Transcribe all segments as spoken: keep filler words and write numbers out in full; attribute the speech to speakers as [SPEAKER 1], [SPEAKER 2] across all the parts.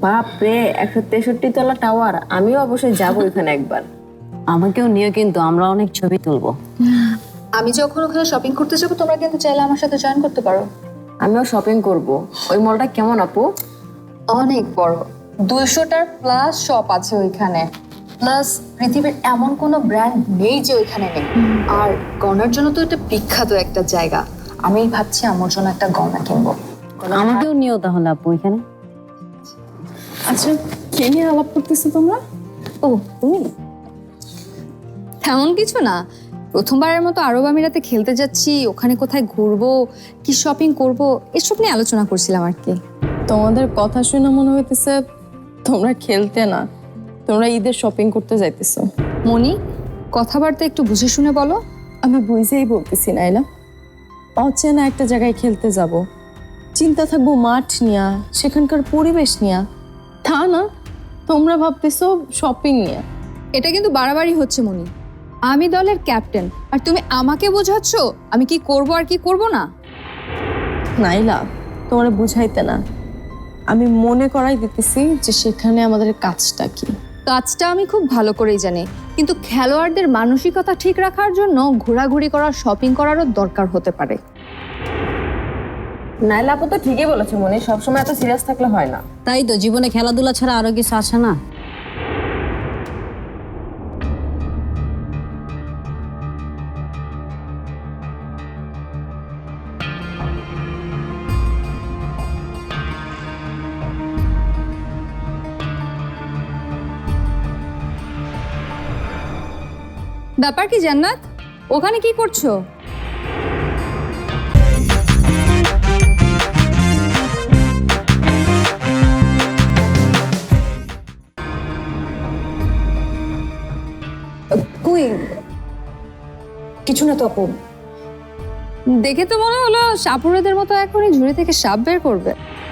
[SPEAKER 1] বাপ রে, একশো তেষট্টি তলা টাওয়ার, আমিও অবশ্যই যাবো এখানে একবার।
[SPEAKER 2] আমাকেও নিয়ে, কিন্তু আমরা অনেক ছবি তুলবো।
[SPEAKER 3] আমি যখন ওখানে শপিং করতে যাবো তোমরা কিন্তু চাইলে আমার সাথে জয়েন করতে পারো।
[SPEAKER 1] আমিও শপিং করব। ওই মলটা কেমন আপু?
[SPEAKER 3] অনেক বড়, দুইশোটার প্লাস শপ আছে ওইখানে। প্লাস পৃথিবীর এমন কোনো ব্র্যান্ড নেই যে ওইখানে নেই। আর গয়নার জন্য তো এটা বিখ্যাত একটা জায়গা। আমি ভাবছি আমার জন্য একটা গয়না কিনবো।
[SPEAKER 2] আমাকেও নিয়েও তাহলে আপু এখানে।
[SPEAKER 4] আচ্ছা, কে নিয়ে আলাপ করতেছো তোমরা?
[SPEAKER 3] ও তুমি? তেমন কিছু না, প্রথমবারের মতো আরব আমিরাতে খেলতে যাচ্ছি, ওখানে কোথায় ঘুরবো, কি শপিং করব, এসব নিয়ে আলোচনা করছিলাম আর কি।
[SPEAKER 4] তোমাদের কথা শুনে মনে হইতেছে তোমরা খেলতে না, তোমরা ঈদের শপিং করতে যাইতেছো।
[SPEAKER 3] মনি, কথাবার্তা একটু বুঝে শুনে বলো।
[SPEAKER 4] আমি বুঝেই বলতেছি নাইলা, অচেনা একটা জায়গায় খেলতে যাব, চিন্তা থাকবো মাঠ নিয়া, সেখানকার পরিবেশ নিয়া। তা না, তোমরা ভাবতেছো শপিং নিয়ে।
[SPEAKER 3] এটা কিন্তু বাড়াবাড়ি হচ্ছে মনি। আমি দলের ক্যাপ্টেন আর তুমি আমাকে বোঝাচ্ছ আমি কি করব আর কি করব না।
[SPEAKER 4] নাইলা, তোমরা বুঝাইতে না, আমি মনে করাই দিতেছি যে সেখানে আমাদের কাজটা কি।
[SPEAKER 3] কাজটা আমি খুব ভালো করেই জানি, কিন্তু খেলোয়াড়দের মানসিকতা ঠিক রাখার জন্য ঘোরাঘুরি করা, শপিং করারও দরকার হতে পারে।
[SPEAKER 1] নাইলা আপু তো ঠিকই বলেছে মনি, সবসময় এত সিরিয়াস থাকলে হয় না।
[SPEAKER 2] তাই তো, জীবনে খেলাধুলা ছাড়া আরো কিছু আছে না।
[SPEAKER 3] ব্যাপার কি জান্নাত, ওখানে কি করছো?
[SPEAKER 1] কই, কিছু না তো আপু।
[SPEAKER 3] দেখে তো মনে হলো সাপুরেদের মতো এখনই ঝুড়ি থেকে সাপ বের করবে।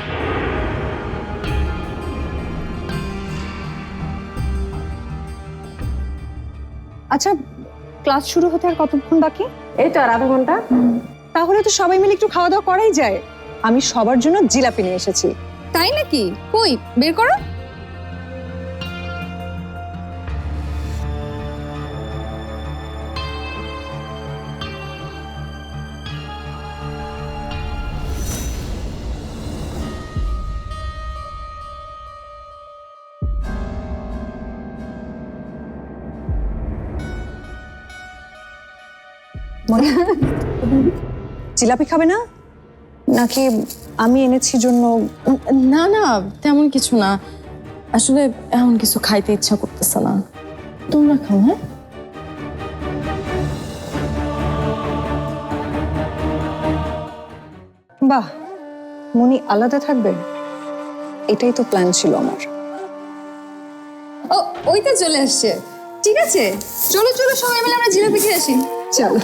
[SPEAKER 3] আচ্ছা, ক্লাস শুরু হতে আর কতক্ষণ বাকি?
[SPEAKER 1] এই তো আর আধা ঘন্টা।
[SPEAKER 5] তাহলে তো সবাই মিলে একটু খাওয়া দাওয়া করাই যায়। আমি সবার জন্য জিলাপি নিয়ে এসেছি।
[SPEAKER 3] তাই নাকি? কই, বের করো।
[SPEAKER 5] জিলাপি খাবে না নাকি আমি এনেছি জন্য?
[SPEAKER 4] না না, তেমন কিছু না, আসলে এমন কিছু খাইতে ইচ্ছা করতেছে না। তোমরা খাও। হ্যাঁ,
[SPEAKER 5] বাহ, মনি আলাদা থাকবে, এটাই তো প্ল্যান ছিল আমার।
[SPEAKER 3] ও, ওই তো চলে আসছে। ঠিক আছে, চলো চলো সবাই মিলে আমরা জিলাপি খেয়ে আসি।
[SPEAKER 5] চলো।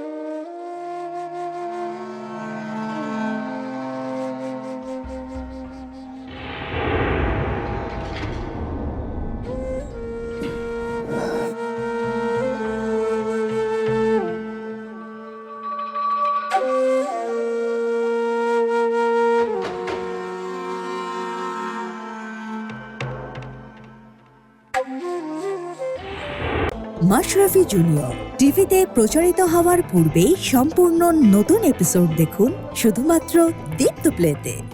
[SPEAKER 6] মাশরাফি জুনিয়র টিভিতে প্রচারিত হওয়ার পূর্বেই সম্পূর্ণ নতুন এপিসোড দেখুন শুধুমাত্র দীপ্ত প্লেতে।